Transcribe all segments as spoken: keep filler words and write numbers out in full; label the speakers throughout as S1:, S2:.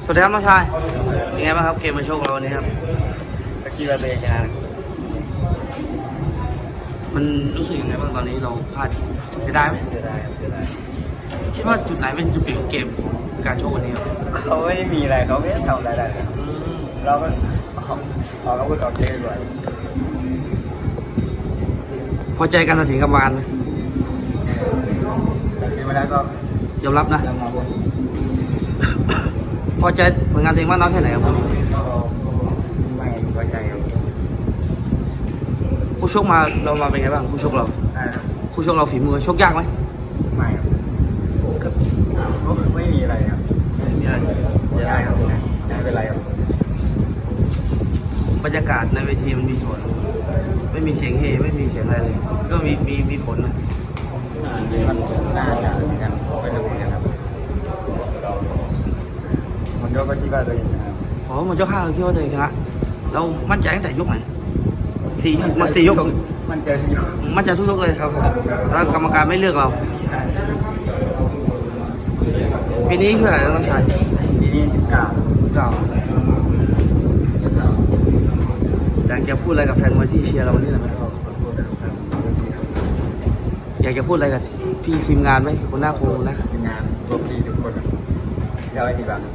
S1: สวัสดีครับน้องชายเป็นไงบ้างครับเกมมาโชคเราวันนี้ครับ
S2: ก็คิดว่าตัวเองชนะ
S1: มันรู้สึกยังไงบ้างตอนนี้เราพลาดเสียดายไหม
S2: เสียดายเสียดาย
S1: คิดว่าจุดไหนเป็นจุดเปลี่ยนของเกมของการโชควันนี้ครับ
S2: เขาไม่ได้มีอะไรเขาไม่ได้ทำอะไรเลยเราก็ออกออกอาวุธออกเยอะกว่า
S1: พอใจการตัดสินกรรมการไหม
S2: แต่ที่มาแล้วก็
S1: ยอมรับนะ
S2: ยอมรับ
S1: พอใจผลงานตัวเองมากน้อยแค่ไหนครับ
S2: ไม่พอใจครับ
S1: ผู้ชกมาเรามาเป็นไงบ้างผู้ชกเราผู้ชกเราฝีมือชกยากไหม
S2: ไม่ครับไม่มีอะไรครับ
S1: ไม่มีอะไร
S2: เสียดายครับเสียดายไม่เป็นไรครับ
S1: บรรยากาศในเวทีมันมีผลไม่มีเสียงเฮไม่มีเสียงอะไรเลยก็มีมีมีผลนะ
S2: มันน่าจะเหมือนกันไม่รู้เหมือนกันครับมันยกก็ที่ว่าตัวเองชนะ
S1: อ๋อมันยกห้าเราคิดว่าตัวเองชนะเรามั่นใจตั้งแต่ยกไหนสี่มาสี่ยก
S2: มั่นใจทุกยก
S1: มั่นใจทุกยกเลยครับแล้วกรรมการไม่เลือกเราปีนี้คืออะไรน้องชาย
S2: ปีนี้สิบเก้า
S1: เก้าอยากจะพูดอะไรกับแฟนมวยที่เชียร์เราวันนี้หน่อยไหมอยากจะพูดอะไรกับพี่ทีมงานไหมคนหน้าครูนะ
S2: ทีมงานพวกพี่ทุกคนเดี๋ยวไอ้ดีบ้าง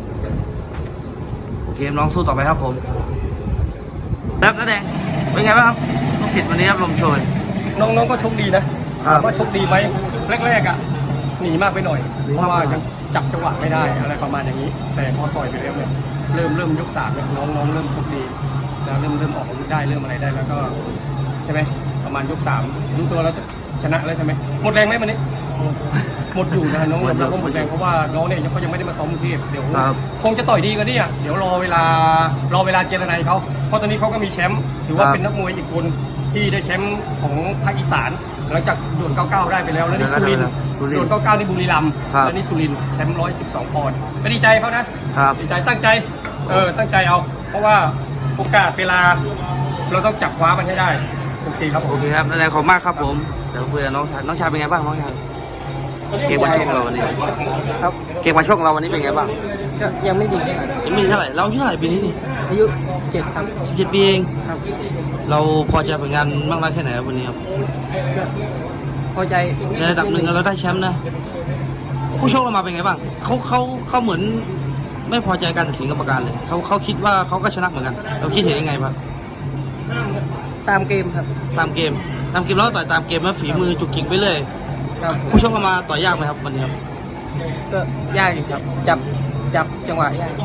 S1: โอเคน้องสู้ต่อไปครับผมแบบน้าแดงเป็นไงบ้างครับลูกศิษย์วันนี้ครับลมโชย
S3: น้องๆก็โชคดีนะถามว่าโชคดีไหมแรกๆอ่ะหนีมากไปหน่อยเพราะว่ายังจับจังหวะไม่ได้อะไรประมาณอย่างนี้แต่พอต่อยไปแล้วเนี่ยเริ่มเริ่มยกสามเนี่ยน้องๆเริ่มโชคดีแล้วเริ่มเริ่มออกอาวุธได้เริ่มอะไรได้แล้วก็ใช่ไหมประมาณยกสามรู้ตัวแล้วชนะแล้วใช่ไหมหมดแรงไหมวันนี้หมดอยู่นะน้องเราก็หมดแรงเพราะว่าน้องเนี่ยเขายังไม่ได้มาซ้อมกรุงเทพเดี๋ยวคงจะต่อยดีกันนี่อ่ะเดี๋ยวรอเวลารอเวลาเจรนายเขาเพราะตอนนี้เขาก็มีแชมป์ถือว่าเป็นนักมวยอีกคนที่ได้แชมป์ของภาคอีสานหลังจากโดนเก้าเก้าได้ไปแล้วแล้วนี่สุรินทร์โดนเก้าเก้านี่บุรีรัมย์แล้วนี่สุรินทร์แชมป์ร้อยสิบสองปอนด์ก็ดีใจเขานะดีใจตั้งใจเออตั้งใจเอาเพราะว่าโอกาสเวลาเราต้องจับคว้ามันให้ได้โอเคครับ
S1: โอเคครับนั่นแหละขอบมากครับผมเดี๋ยวคุยกับน้องชายน้องชายเป็นไงบ้างน้องชายเกมมาชกเราวันนี้
S3: ครับ
S1: เกมมาชกเราวันนี้เป็นไงบ้าง
S3: ก็ยังไม่ดี
S1: ยังไม่ดีเท่าไหร่เราอายุเท่าไหร่ปีนี้นี่
S3: อายุเจ็ดครับ
S1: สิบเจ็ดปีเอง
S3: ครับ
S1: เราพอใจผลงานมากน้อยแค่ไหนวันนี้ครับ
S3: ก็พอใจ
S1: ในระดับหนึ่งเราได้แชมป์นะผู้ชกเรามาเป็นไงบ้างเขาเขาเขาเหมือนไม่พอใจการตัดสินกรรมการเลยเขาเขาคิดว่าเขาก็ชนะเหมือนกันเราคิดเห็นยังไงบ้าง
S3: ตามเกมครับ
S1: ตามเกมตามเกมแล้วต่อยตามเกมแล้วฝีมือจุกจิกไปเลยผู้ชกมาต่อยยากไหมครับวันนี้ครับ
S3: ก็ยากอยู่ครับจับจับจังหวะยาก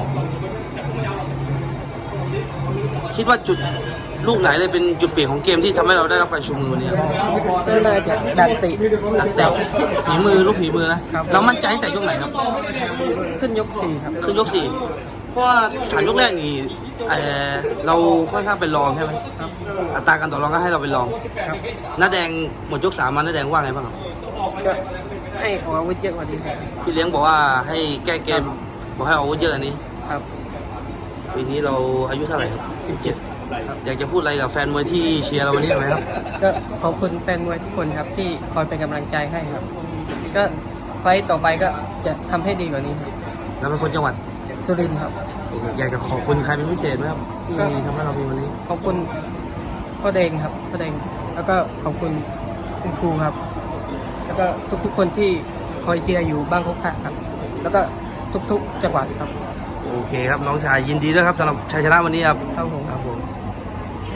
S1: คิดว่าจุดลูกไหนเลยเป็นจุดเปลี่ยนของเกมที่ทำให้เราได้รับการชูมือวันนี้
S3: ก็น่าจะดันติ
S1: ดันติฝีมือลูกฝีมือนะเรามั่นใจตั้งแต่ยกไหนครับ
S3: ขึ้นยกสี่ครับ
S1: ขึ้นยกสี่เพราะว่าสามยกแรกนี่เออเราค่อนข้างเป็นรองใช่ไหมอัตราการต่อรองก็ให้เราเป็นรองน้าแดงหมดยกสามมาน้าแดงว่าไงบ้างครับ
S3: ก็ให้ออกอาวุธเยอะกว่านี้
S1: พี่เลี้ยงบอกว่าให้แก้เกมบอกให้ออกอาวุธเยอะอันนี้
S3: ครับ
S1: ปีนี้เราอายุเท่าไหร่ครับ
S3: สิบเจ็ด
S1: อยากจะพูดอะไรกับแฟนมวยที่เชียร์เราวันนี้ไหมครับ
S3: ก็ขอบคุณแฟนมวยทุกคนครับที่คอยเป็นกำลังใจให้ครับก็ไฟต่อไปก็จะทำให้ดีกว่านี้ครับ
S1: เราเป็นคนจังหวัด
S3: สุรินทร์ครับ
S1: อยากจะขอบคุณใครเป็นพิเศษไหมครับที่ทำให้เรามีวันนี้
S3: ขอบคุณพ่อแดงครับพ่อแดงแล้วก็ขอบคุณคุณครูครับแล้วก็ทุกๆคนที่คอยเชียร์อยู่บ้างคุกคักครับแล้วก็ทุกๆจังหวัดครับ
S1: โอเคครับน้องชายยินดีด้วยครับสำหรับชัยชนะวันนี้ครับ
S3: ครับผม
S1: ครับผม